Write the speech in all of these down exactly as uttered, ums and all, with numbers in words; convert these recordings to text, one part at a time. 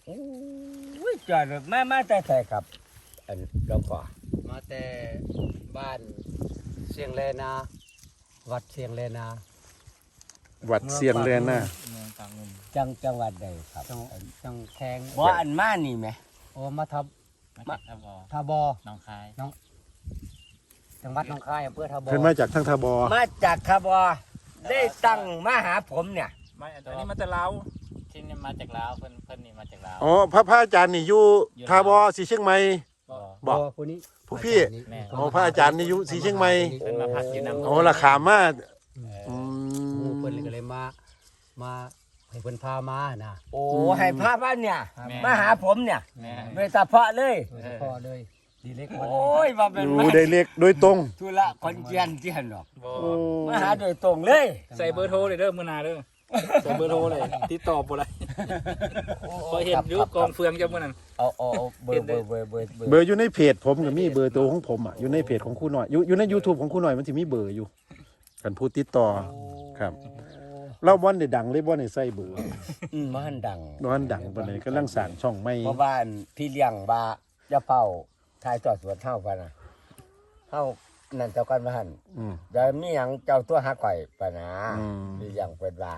โอ้ยจอดแม่มาแต่ใส่ครับอันหลวงพ่อมาแต่บ้านเสียงเลนาวัดเสียงเลนาวัดเสียงแลนน่ะเมืองกลางงมจังจังหวัดใดครับจังจังแทงบ่อันมานี่ไหมโอ้มาทับมาจากทบอทาบอหนองคายจังหวัดหนองคายอำเภอทาบอเพิ่นมาจากทางทบมาจากคาบอได้ตั้งมาหาผมเนี่ยไม่อันนี้มาจากลาวที่นี่มาจากลาวเพิ่นเพิ่นนี่มาจากลาวอ๋อพระพระอาจารย์นี่อยู่ทบสีเชียงใหม่บ่บอกโผู้นี้ผู้พี่แม่อ๋อพระอาจารย์นี่อยู่สีเชียงใหม่เพิ่นมาพักอยู่นำอ๋อราคามาหอืมู่มเพิ่นก็เลยมามาให้เพิ่นพามานะโอ้ให้พาบ้านเนี่ยแม่มาหาผมเนี่ยแม่โดยเฉพาะเลยโดยเฉพาะเลยดีเล็กโอ้ยมาเป็นอยู่ได้เล็กโดยตรงธุระคนเจียนเจียนหรอกบ่โอ้มาหาโดยตรงเลยใส่เบอร์โทรเลยเด้อมื้อหน้าเด้อใส่เบอร์โทรเลยติดต่อบ่ได้พอเห็นอยู่กองเฟืองจังมื้อนั้นเอาเอาเอาเบอร์เบอร์เบอร์เบอร์เบอร์เบอร์อยู่ในเพจผมก็มีเบอร์ตัวของผมอ่ะอยู่ในเพจของครูหน่อยอยู่อยู่ใน YouTube ของครูหน่อยมันสิมีเบอร์อยู่กันผู้ติดต่อครับเราบ่ได้ดังเลยบ่ได้ใส่เบอร์อืมมันดังบ่ทันดังปานใดกำลังสร้างช่องใหม่เพราะว่าอันพี่เลี้ยงว่าจะเฝ้าทายจอดสวนเท่ากันนะเท่านั่นเจ้ากันมาหันอืมเดี๋ยวมีหยังเจ้าตัวหาก่อยปะนะอืมพี่เลี้ยงเป็นว่า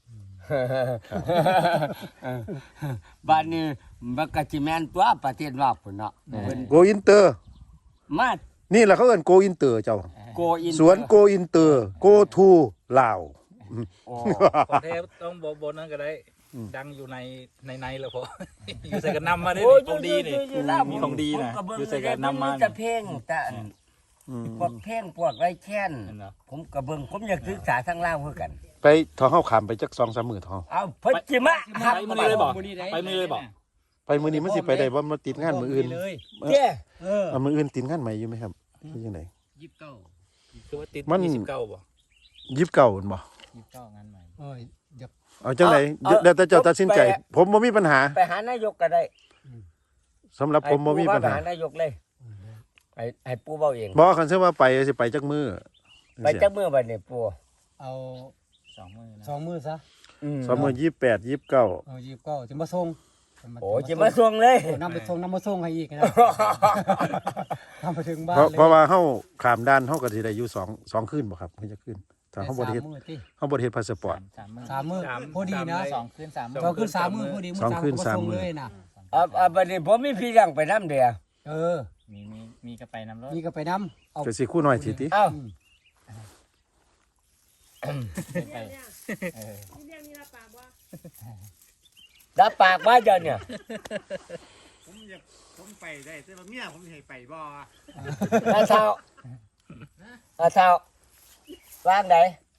บ้านนี้บักกะจิแมนตัวประเทศนอกพุ่นเนาะเพิ่นโกอินเตอร์มานี่แหละเขาเอิ้นโกอินเตอร์เจ้าโกอินสวนโกอินเตอร์โกทูลาวโอ้ของแท้ต้องบ่บ่นั้นก็ได้ ดังอยู่ในในในแล้วพอ อยู่ใส่กันนำมาได้โอ้ยของดีนี่อยู่ๆๆมีของดีนะผมก็เบิ่งอยู่ใส่กันนำมาแต่จะเพลงแต่อันอืมพวกเพลงพวกไรแค้นนั่นเนาะผมก็เบิ่งผมอยากศึกษาทางลาวคือกันไปทอเฮาขามไปจักสองสามมื้อทอเอาเพิ่นจิมะครับไปมื้อนี้เลยบ่ไปมื้อนี้เลยบ่ไปมื้อนี้มันสิไปได้บ่มาติดงานมื้ออื่นเลยเจ้เออเอามื้ออื่นติดงานใหม่อยู่ไหมครับคือจังได๋ยี่สิบเก้าคือว่าติดมันยี่สิบเก้าบ่ยี่สิบเก้าพุ่นบ่ยี่สิบเก้างานใหม่โอ้ยอย่าเอาจังได๋แล้วแต่เจ้าตัดสินใจ ผมบ่มีปัญหาไปหานายกก็ได้สำหรับผมบ่มีปัญไปหาหานายกเลยให้ให้ปู่เว้าเองบ่คันเชื่อว่าไปสิไปจักมื้อไปจักมื้อบัดนี้ปู่เอาสองมื้อนะสองมือซะสองมื้อยี่สิบแปด ยี่สิบเก้าเอายี่สิบเก้าจะมาส่งโอ้จะมาส่งเลยโอ้นำไปส่งนำมาส่งให้อีกนะนำไปถึงบ้านเพราะเลยเพราะว่าเฮาข้ามด่านเฮาก็สิได้อยู่สอง สองคืนบ่ครับเพิ่นจะคืนถ้าเฮาบ่ได้เฮ็ดสามมื้อติเฮาบ่ได้เฮ็ดพาสปอร์ตสามมื้อสามมื้อพอดีนะสองคืนสามมื้อสองคืนสามมือพอดีมือสองคืนก็สามส่งมื้อเลยนะอ่าอ่าบัดนี้ผมมีพี่เลี้ยงไปนำเด้อเออมีมีมีก็ไปนำรถนี่ก็ไปนำเอาก็สิคู่น้อยสิติเอ้าไปเออรับปากว่าเจ้าเนี่ยผมอยากผมไปได้แต่ว่าเมียผมสิให้ไปบ่อาเช้าอาเช้าว่างไหน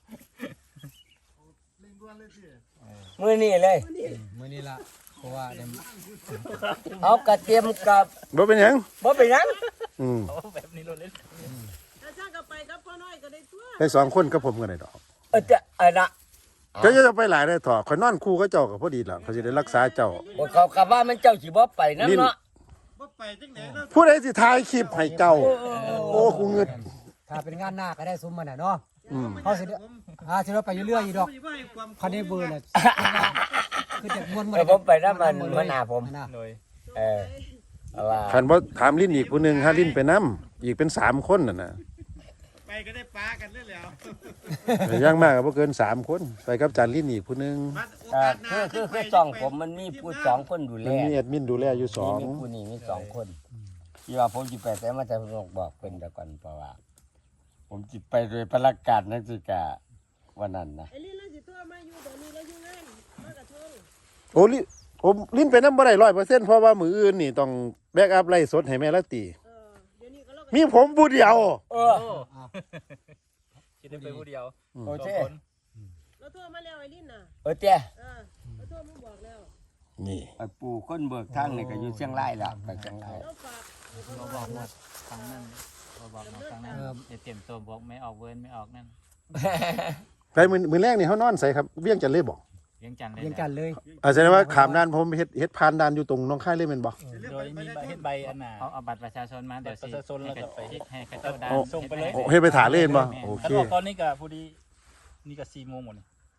เล่นด้วนเลยสิมื้อนี้เลยมื้อนี้ล่ะเพราะว่าเดี๋ยวเอากระเทียมกับบ่เป็นหยังบ่เป็นหยังอืมโอ้แบบนี้รถเล่นถ้าช่างก็ไปกับพ่อน้อยก็ได้ตัวไปสองคนกับผมก็ได้ดอกเออจะอันน่ะเจ้าจะไปหลายได้ถอข่อยนอนคู่กับเจ้าก็พอดีล่ะเขาสิได้รักษาเจ้าโอ้เขาก็ว่ามันเจ้าสิบ่ไปนำเนาะบ่ไปจังได๋แล้วผู้ใดสิถ่ายคลิปให้เจ้า โอ้กูเงิดถ้าเป็นงานหน้าก็ได้ซุ้มมันน่ะเนาะอืมเขาสิได้อ่าสิเราไปเรื่อยๆอยู่ดอกผมสิบ่ให้ความคันนี้เบอร์น่ะคือจะม่วนเออผมไปนำมันมันหน้าผมน่ะโดยเออเอาว่าคันบ่ถามลิ้นอีกผู้หนึงหาลิ้นไปนํอีกเป็นสามคนน่ะนะไปก็ได้ปากันเลยแล้วแต่อย่างมากก็บ่เกินสามคนไปกับจานลิ้นอีกผู้หนึงบัดโออ่ากาสหน้าคือคือคือช่องผมมันมีผู้สองคนดูแลมันมีแอดมินดูแลอยู่สองมีผู้นี้มีสองคนที่ว่าผมจิไปแต่มาแต่ผมบอกเพิ่นแต่ก่อนเพราะว่า ผมจิไปโดยประกาศนักศึกษาวันนั้นนะไอ้นี่เราสิตัวมาอยู่เดี๋ยวนี้เราอยู่งานมากระทงโอ้ลิผมลิ้นไปน้ำบ่ได้ร้อยเปอร์เซ็นต์เพราะว่ามืออื่นนี่ต้องแบกอัพไล่สดให้แม่ละตีเออเดี๋ยวนี้ก็เราก็มีผมผู้เดียวเอโอ้อคิดได้ไปผู้เดียวโอเคสองคนเราโทรมาแล้วไอ้ลินน่ะเออเจ้เออเราโทรมาบอกแล้วนี่ไอ้ปู่คนเบิกทางนี่ก็อยู่เชียงรายแล้วไปเชียงรายเราฝากให้พ่อเราน้บออย กว่าครั้งนั้นเราบอกมาครั้งนั้นจะเตรียมตัวบอกไม่ออกเวิร์นไม่ออกนั่นไปมือมือแรกนี่เขานอนใส่ครับเวียงจันทน์เลยบอกเลี้ยงจันทร์เลยเรียนกันเลยอาแสดงว่าขามด้านผมเฮ็ดเฮ็ดพานด้านอยู่ตรงหน้องค่ายเลยแม่นบ่โดยมีใบเฮ็ดใบอันน่ะเอาเอาบัตรประชาชนมาเดี๋ยวสิบัตรประชาชนแล้วก็ให้ให้ให้เจ้าดานส่งไปเลยโอ้เฮ็ดไปถาเล่นบ่โอเคถ้าบอกตอนนี้ก็พอดีนี่ก็สี่โมงหมดนี่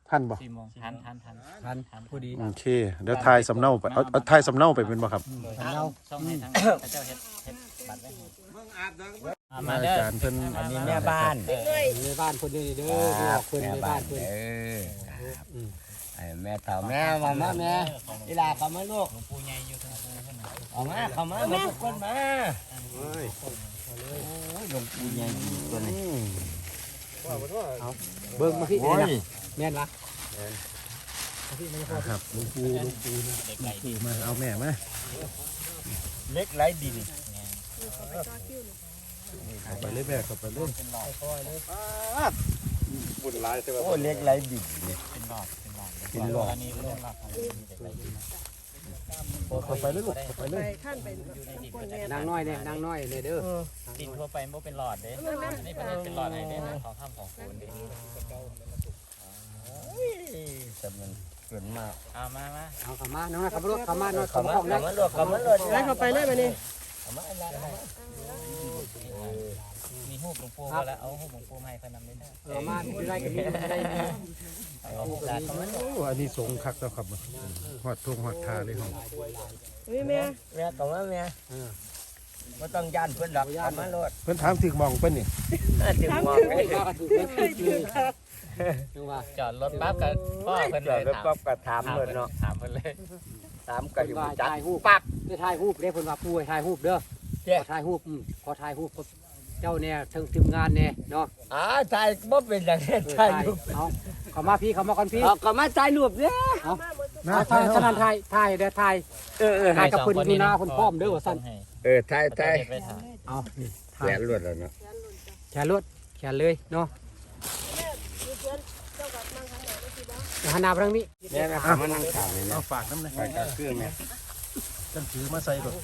พันบ่สี่โมงทันทันทันทันพอดีโอเคเดี๋ยวทายสำเนาไปเอาเอาทายสำเนาไปเป็นบ่ครับทันเราส่งให้ทางพระเจ้าเฮ็ดเฮ็ดบัตรไว้ให้เบิ่งอาบดังอ่ามาอาเด้อจารย์เพิ่นอันนี้แม่บ้านในบ้านคนนี้เด้อคบรัอบ กคนแม่ในบ้าบ้าน นคนเออครับไอ้แม่เฒ่าแม่มามาแม่อีหลาเข้ามาลูกหลวงปู่ใหญ่อยู่ทางปูเพิ่นน่ะเอามาเข้ามามาทุกคนมาโอ้ยหลวงปู่ใหญ่อยู่ตัวนี้เบิ่งมาพี่โอ้ยแม่นวะครับหลวงปู่หลวงปู่หลวงปู่มาเอาแม่มาเล็กไร้ดินเอาไปเลยแม่เอาไปเลยบุญหลายแต่ว่าโอ้เล็กไร้ดินเนี่ยเป็นหลอดเป็นหลอดเป็นหลอดอันนี้เรื่องหลอดของมันจะไปอยู่เอาไปเลยลูกเอาไปเลไปยท่านไปคนแม่นางน้อยเนี่ยนางน้อยเนี่ยเด้อดินทั่วไปมันบ่เป็นหลอดเด้อันนี้ประเทศเป็นหลอดไหนเด้นะของถ้ำของโคนเด้แต่มันเกินมากเอามามาเอาเข้ามาน้องขับรถเข้ามาน้อยเข้าเข้ามามาห้องเข้านะมาลูกเข้ามาลูกไล่เข้าไปเลยมานี่เข้ามาอะไรเข้ามามีรูปหลวงปู่ก็แล้วเอารูปหลวงปู่มาให้เพิ่นนำได้เด้อเอามาอยู่ได้กันนี่ได้นี่เอาโอกาสเข้ามาโอ้อันนี้สงคักแล้วครับหอดทงหอดทาเลยครับเฮ้ยแม่แม่เข้ามาแม่ไม่ต้องย่านเพื่อนดอกเข้ามาลูกเพิ่นถามถึงหมองเพิ่นนี่ถึงมองมากันถูกเลยเลยจังว่าจอดรถปั๊บกับพ่อเพิ่นจเลอดยรถถามปั๊บก็ถามถามเลเพิ่ยนเนาะถามเพิ่นเลยถามเพิ่ก็นอยู่ว่าจัดถ่ายรูปปั๊บได้ถ่ายรูปเด้เพิ่นว่าปุ้ยถ่ายรูปเด้อเจ๊ขอถ่ายรูปอืมขอถ่ายรูปกับเจ้าเนี่ยทั้งทีมงานเนี่ยเนาะอ่าถ่ายบ่เป็นอย่างนี้เออถ่ายถ่ายรูปเอาเข้ามาพี่เข้ามาก่อนพี่เอาก็มาถ่ายรูปเนี่ยนะเอาถ่ายฉะนั้นถ่ายถ่ายเด้อถ่ายเออเออถ่ายกับเพิ่นอยู่หน้าเพิ่นพร้อมเด้อว่าซั่นเออถ่ายพระถ่ายเจ้าเฮ็ดไว้ถ่ายเอานี่แขถ่ายนรวดแล้วเนาะแขนรถแขนเลยเนาะแม่ดูเพื่อนเจ้ากับนั่งข้างไหนก็คือบ้าเดี๋ยวหันหน้าไปทางนี้แม่เข้ามานั่งถามเลยนะเอาฝากน้ำหน่อยไปกับเครื่องแม่กันถือมาใส่ก่อน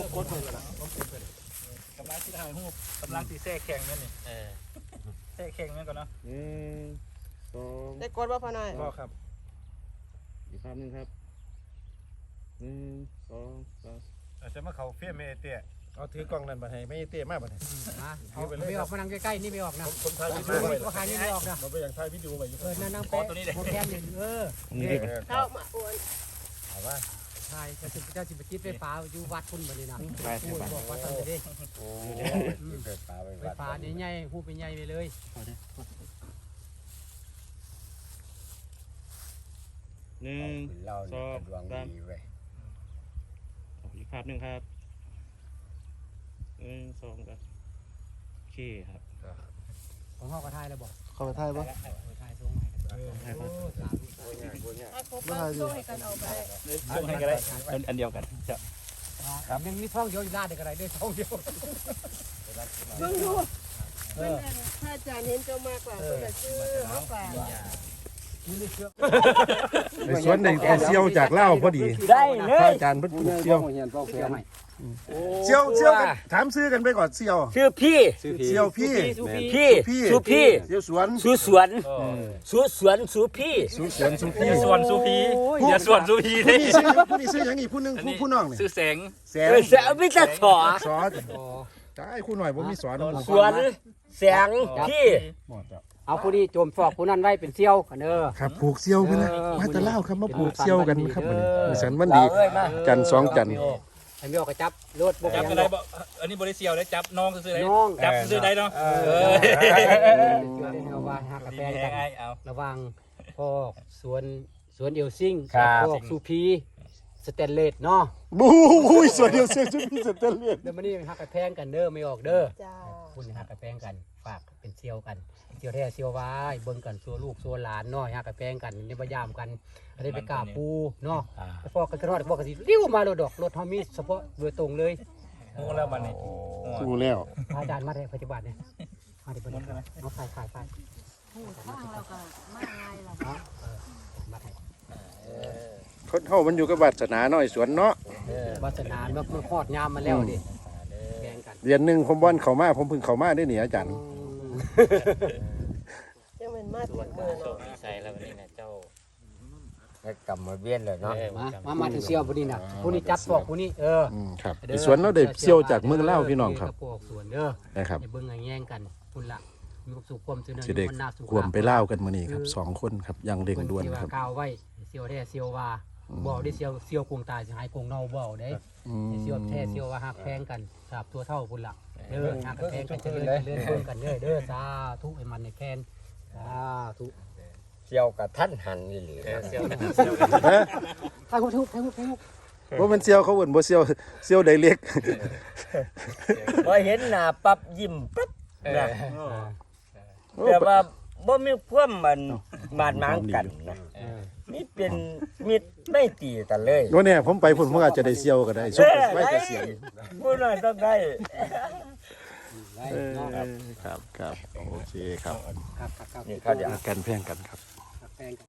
กำลังที่ถ่ายรูปกำลังที่แทรกแข่งเนี่ยนี่เออแทรกแข่งเนี่ยก่อนเนาะหนึ่งสองได้กดว่าพอหน่อยพ่อครับอีกคำหนึ่งครับหนึ่งสองสามอาจจะมาเขาเฟี้ยเมเตี้ยเอาถือกล้องนั่นบัดให้ไม่เตี้ยมากบัดให้มาเอาไม่ออกมานั่งใกล้ๆนี่ไม่ออกนะผมถ่ายวิดีดูโอไว้ว่าขายนี่ไม่ออกนะผมไปอยากถ่ายวิดีโอไว้อยู่เออนั่งนั่งเป๊ะโมแกนหนึ่งเออเข้ามาโอนเอาว่าใช่จะสิเจ้าสิบจิตไฟฟ้าอยู่วัดคุณบ่นี่นะพูดบอกว่าซั่นเด้โอ้ยเกิดปลาไปไฟวัดฟ้านี่ใหญ่ฮู้เป็นใหญ่ไปเลยหนึ่งเราสเนี่ยองดวงสามดีเว้ยอีกภาพหนึ่งครับหนึ่งสองสามโอเคครับของเฮาก็ถ่ายแล้วบอกเข้าไปถ่ายบ่ถ่ายส่งให้กันถ่ายภาพถ้าครบแล้วช่วยกันเอาไปส่งให้ก็ได้อันอันเดียวกันจะครับยังมีท้องเดียวอยู่ด้านเดียวก็ได้ด้วยท้องเดียวเพิ่งดูเพื่อนถ้าอาจารย์เห็นเจ้ามากกว่าเพื่อนจะซื้อมากกว่าในสวนในเอาเซี่ยวจากเล่าวพอดีได้เลพระยอาจารย์เพิ่นปลูกเซี่ยวเฮียนพ่อเสียใหม่เซี่ยวเซี่ยวกันถามซื้อกันไปก่อนเซี่ยวชื่อพี่เซี่ยวพี่พี่พี่สุพี่เซี่ยวสวนสุสวนสุสวนสุพี่สุสวนสุพี่ส่วนสุพีอย่าส่วนสุพีผู้เลยนี้ซื้อผู้นี้ซื้อหยังอีกผู้หนึงผู้ผู้น้องนี่ซื้อแสงแสนเออเสียไม่จะสอสอนใช่คู่หน่อยผมมีสอนหมู่สวนแสงพี่หมดแล้วเอาผู้นี้โจมฟอกผู้นั้นไว้เป็นเซี่ยวกันเด้อครับปลูกเซี่ยวกันนะมาแตะเล่าวครับมาปลูกเซี่ยวกันครับวันนี้เออมือสันวันดีเอ้ยมาจันทร์สองจันทร์ไอ้มีออกกระจับรถบ่จับยักันงได้บ่อันนี้บริเซียวได้จับน้องซื้อได้น้องจับซื้อได้เนาะเออเอาว่าหากาแฟดีกันแห้งเอาระหวังพอกสวนสวนเอลซิงครับพอกซูพีสเตนเลสเนาะบู๊ยสวนเดียวเซี่ยวจุดนี้สเตนเลสเดี๋ยวมานี่หักกระแพงกันเด้อไม่ออกเด้อจ้าคุณหักกระแพงกันฝากเป็นเซียวกันเซียวแท้เซียววายเบิ่งกันซัวลูกซัวหลานเนาะหักกระแพงกันในพยายามกันอันนี้ไปกราบปูเนาะไปฟอกกันกระรอดบอกกันสิเลี้ยวมาโลดดอกรถเฮามีเฉพาะโดยตรงเลยงูแล้วบัดนี้สู้แล้วพระอาจารย์มาในปัจจุบันเนี่ยมาในปัจจุบันเอาขายขายขายข้างเราก็มาไงล่ะเนาะเออมาให้คนเฮามันอยู่กับวาสนาน้อยสวนเนาะวาสนาเมื่อมันคลอดยามมาแล้วดิแบ่งกันเดือนหนึงผมบ่อนเข้ามาผมเพิ่งเข้ามาได้นี่อาจารย์ยังเป็นมาส่ถึวนงมามือโชเนาะคดีใส่แล้ววันนี้นะเจ้าให้กลับมาเวียนเลยเนาะมามามาถึงเซียวพอดีน่ะผู้นี้จับพวกผู้นี้เอออืมครับอีสวนเราได้เซี่ยวจากเมืองลาวพี่น้องครับพวกสวนเด้อนะครับอย่าเบิ่งแย่งกันคุณละมีความสุขความเจริญสิได้มันน่าสุขควมไปเล่าวกันมื้อนี้ครับสองคนครับอย่างเร่งด่วนที่ว่าครับกล่าวไว้เซียวแท้เซียวว่าบ่ได้เซียวเซียวกงตายสิหายกงเน่าบ่ได้อืมเซียวแท้เซียวว่าฮักแพงกันสาบตัวเท่าพุ่นล่ะเด้อฮักแพงกันเจริญเจริญเบิ่งกันเด้อเด้อสาธุให้มันในแคนสาธุเกี่ยวกับท่านหันนี่หรือเซียวเซียวฮะทางทุกทางทุกทางทุกบ่แม่นเซียวเขาเอิ้นบ่เซียวเซียวไดเล็กพอเห็นหน้าปั๊บยิ้มปั๊บนะโอ้แต่ว่าบ่มีความมันบาดหมางกันนะนี่เป็นมิตรไม่ตีกันเลยบ่แน่ผมไปพุ่นผมอาจจะได้เซียวก็ได้สุดไว้เกษียณผู้น้อยต้องได้เออครับครับโอเคครับครับครับครับนี่เขาเดี๋ยวกันแพงกันครับฮักแพงกัน